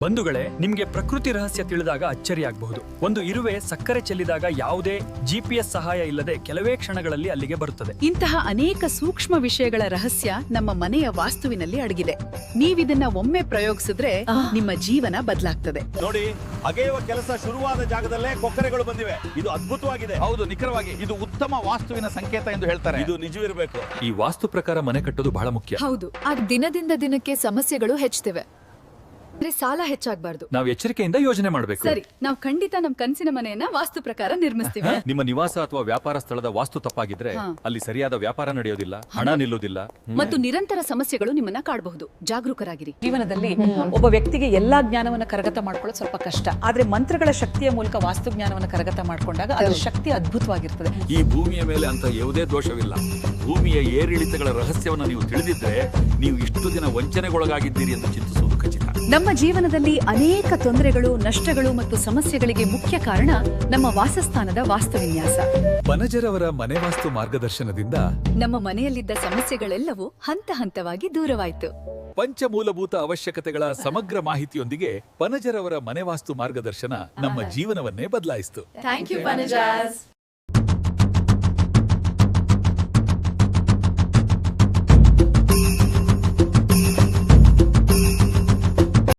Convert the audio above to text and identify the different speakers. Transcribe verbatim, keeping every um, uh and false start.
Speaker 1: ಬಂಧುಗಳೇ, ನಿಮ್ಗೆ ಪ್ರಕೃತಿ ರಹಸ್ಯ ತಿಳಿದಾಗ ಅಚ್ಚರಿಯಾಗಬಹುದು. ಒಂದು ಇರುವೆ ಸಕ್ಕರೆ ಚೆಲ್ಲಿದಾಗ ಯಾವುದೇ ಜಿಪಿಎಸ್ ಸಹಾಯ ಇಲ್ಲದೆ ಕೆಲವೇ ಕ್ಷಣಗಳಲ್ಲಿ ಅಲ್ಲಿಗೆ ಬರುತ್ತದೆ.
Speaker 2: ಇಂತಹ ಅನೇಕ ಸೂಕ್ಷ್ಮ ವಿಷಯಗಳ ರಹಸ್ಯ ನಮ್ಮ ಮನೆಯ ವಾಸ್ತುವಿನಲ್ಲಿ ಅಡಗಿದೆ. ನೀವಿದನ್ನ ಒಮ್ಮೆ ಪ್ರಯೋಗಿಸಿದ್ರೆ ನಿಮ್ಮ ಜೀವನ ಬದಲಾಗ್ತದೆ.
Speaker 3: ನೋಡಿ, ಅಗೆಯುವ ಕೆಲಸ ಶುರುವಾದ ಜಾಗದಲ್ಲೇ ಕೊಕ್ಕರೆಗಳು ಬಂದಿವೆ. ಇದು ಅದ್ಭುತವಾಗಿದೆ.
Speaker 4: ಹೌದು, ನಿಖರವಾಗಿ ಇದು ಉತ್ತಮ ವಾಸ್ತುವಿನ ಸಂಕೇತ ಎಂದು ಹೇಳ್ತಾರೆ.
Speaker 3: ಇದು ನಿಜವಿರಬೇಕು.
Speaker 1: ಈ ವಾಸ್ತು ಪ್ರಕಾರ ಮನೆ ಕಟ್ಟೋದು ಬಹಳ ಮುಖ್ಯ.
Speaker 5: ಹೌದು, ಆಗ ದಿನದಿಂದ ದಿನಕ್ಕೆ ಸಮಸ್ಯೆಗಳು ಹೆಚ್ಚುತ್ತಿವೆ. ಸಾಲ ಹೆಚ್ಚಾಗಬಾರ್ದು.
Speaker 1: ನಾವು ಎಚ್ಚರಿಕೆಯಿಂದ ಯೋಜನೆ ಮಾಡಬೇಕು.
Speaker 2: ಸರಿ, ನಾವು ಖಂಡಿತ ನಮ್ ಕನಸಿನ ಮನೆಯನ್ನ ವಾಸ್ತು ಪ್ರಕಾರ ನಿರ್ಮಿಸ್ತೀವಿ.
Speaker 1: ನಿಮ್ಮ ನಿವಾಸ ಅಥವಾ ವ್ಯಾಪಾರ ಸ್ಥಳದ ವಾಸ್ತು ತಪ್ಪಾಗಿದ್ರೆ ಅಲ್ಲಿ ಸರಿಯಾದ ವ್ಯಾಪಾರ ನಡೆಯೋದಿಲ್ಲ, ಹಣ ನಿಲ್ಲೋದಿಲ್ಲ
Speaker 2: ಮತ್ತು ನಿರಂತರ ಸಮಸ್ಯೆಗಳು ನಿಮ್ಮನ್ನ ಕಾಡಬಹುದು. ಜಾಗರೂಕರಾಗಿರಿ.
Speaker 6: ಜೀವನದಲ್ಲಿ ಒಬ್ಬ ವ್ಯಕ್ತಿಗೆ ಎಲ್ಲಾ ಜ್ಞಾನವನ್ನ ಕರಗತ ಮಾಡ್ಕೊಳ್ಳೋದು ಸ್ವಲ್ಪ ಕಷ್ಟ. ಆದ್ರೆ ಮಂತ್ರಗಳ ಶಕ್ತಿಯ ಮೂಲಕ ವಾಸ್ತು ಜ್ಞಾನವನ್ನ ಕರಗತ ಮಾಡ್ಕೊಂಡಾಗ ಅದರ ಶಕ್ತಿ ಅದ್ಭುತವಾಗಿರ್ತದೆ.
Speaker 4: ಈ ಭೂಮಿಯ ಮೇಲೆ ಅಂತ ಯಾವುದೇ ದೋಷವಿಲ್ಲ. ಭೂಮಿಯ ಏರಿಳಿತಗಳ ರಹಸ್ಯವನ್ನು ನೀವು ತಿಳಿದಿದ್ರೆ ನೀವು ಇಷ್ಟು ದಿನ ವಂಚನೆಗೊಳಗಾಗಿದ್ದೀರಿ ಎಂದು ಚಿಂತಿಸುವುದು ಖಚಿತ.
Speaker 2: ನಮ್ಮ ಜೀವನದಲ್ಲಿ ಅನೇಕ ತೊಂದರೆಗಳು, ನಷ್ಟಗಳು ಮತ್ತು ಸಮಸ್ಯೆಗಳಿಗೆ ಮುಖ್ಯ ಕಾರಣ ನಮ್ಮ ವಾಸಸ್ಥಾನದ ವಾಸ್ತುವಿನ್ಯಾಸ.
Speaker 7: ಬನಜರವರ ಮನೆ ವಾಸ್ತು ಮಾರ್ಗದರ್ಶನದಿಂದ
Speaker 2: ನಮ್ಮ ಮನೆಯಲ್ಲಿದ್ದ ಸಮಸ್ಯೆಗಳೆಲ್ಲವೂ ಹಂತ ಹಂತವಾಗಿ ದೂರವಾಯಿತು.
Speaker 7: ಪಂಚಮೂಲಭೂತ ಅವಶ್ಯಕತೆಗಳ ಸಮಗ್ರ ಮಾಹಿತಿಯೊಂದಿಗೆ ಬನಜರವರ ಮನೆ ವಾಸ್ತು ಮಾರ್ಗದರ್ಶನ ನಮ್ಮ ಜೀವನವನ್ನೇ ಬದಲಾಯಿಸಿತು.
Speaker 2: Thank you,